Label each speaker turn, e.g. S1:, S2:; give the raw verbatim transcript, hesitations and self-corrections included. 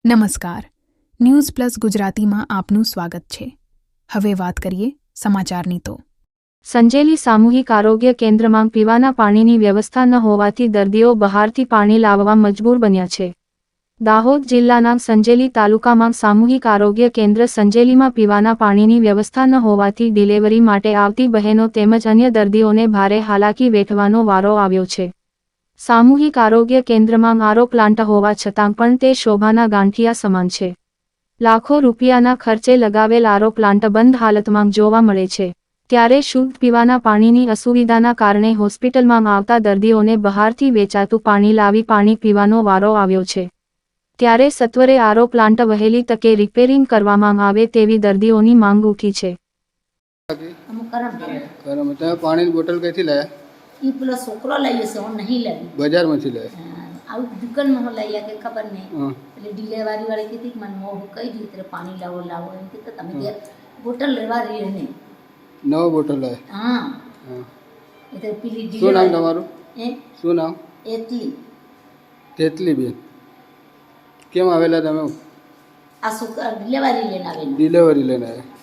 S1: નમસ્કાર, news plus ગુજરાતીમાં આપનું સ્વાગત છે। હવે વાત કરીએ સમાચારની તો
S2: સંજેલી સામૂહિક આરોગ્ય કેન્દ્રમાં પીવાના પાણીની વ્યવસ્થા ન હોવાથી દર્દીઓ બહારથી પાણી લાવવા મજબૂર બન્યા છે। દાહોદ જિલ્લાના સંજેલી તાલુકામાં સામૂહિક આરોગ્ય કેન્દ્ર સંજેલીમાં પીવાના પાણીની વ્યવસ્થા ન હોવાથી ડિલિવરી માટે આવતી બહેનો તેમજ અન્ય દર્દીઓને ભારે હાલાકી વેઠવાનો વારો આવ્યો છે। સામૂહિક આરોગ્ય કેન્દ્રમાં આરો પ્લાન્ટ હોવા છતાં પણ તે શોભાના ગાંઠિયા સમાન છે। લાખો રૂપિયાના ખર્ચે લગાવેલ આરો પ્લાન્ટ બંધ હાલતમાં જોવા મળે છે। ત્યારે શુદ્ધ પીવાના પાણીની અસુવિધાના કારણે હોસ્પિટલમાં આવતા દર્દીઓને બહારથી વેચાતું પાણી લાવી પાણી પીવાનો વારો આવ્યો છે। ત્યારે સત્વરે આરો પ્લાન્ટ વહેલી તકે રિપેરિંગ કરવામાં આવે તેવી દર્દીઓની માંગ ઉઠી છે।
S3: પાણી બોટલ ક્યાંથી લાયા?
S4: ये पूरा सोकरो लाइए से और नहीं लगी
S3: बाजार में थी लाया?
S4: आउ दुकान में हो लाइया के खबर नहीं એટલે ડિલિવરી વાળી કીધી મને મો કઈ રીતે પાણી લાવો લાવો એમ કે તમે કે બોટલ લેવા રહી ને
S3: નવો બોટલ લાયા?
S4: હા હા એટલે પીલી ડિલિવરી
S3: શું નામ તમારું?
S4: એ
S3: શું નામ?
S4: એટલી
S3: તેતલી બેન કેમ આવેલા તમે?
S4: આ સોકરા ડિલિવરી લઈને આવેલા
S3: ડિલિવરી લઈને આવ્યા?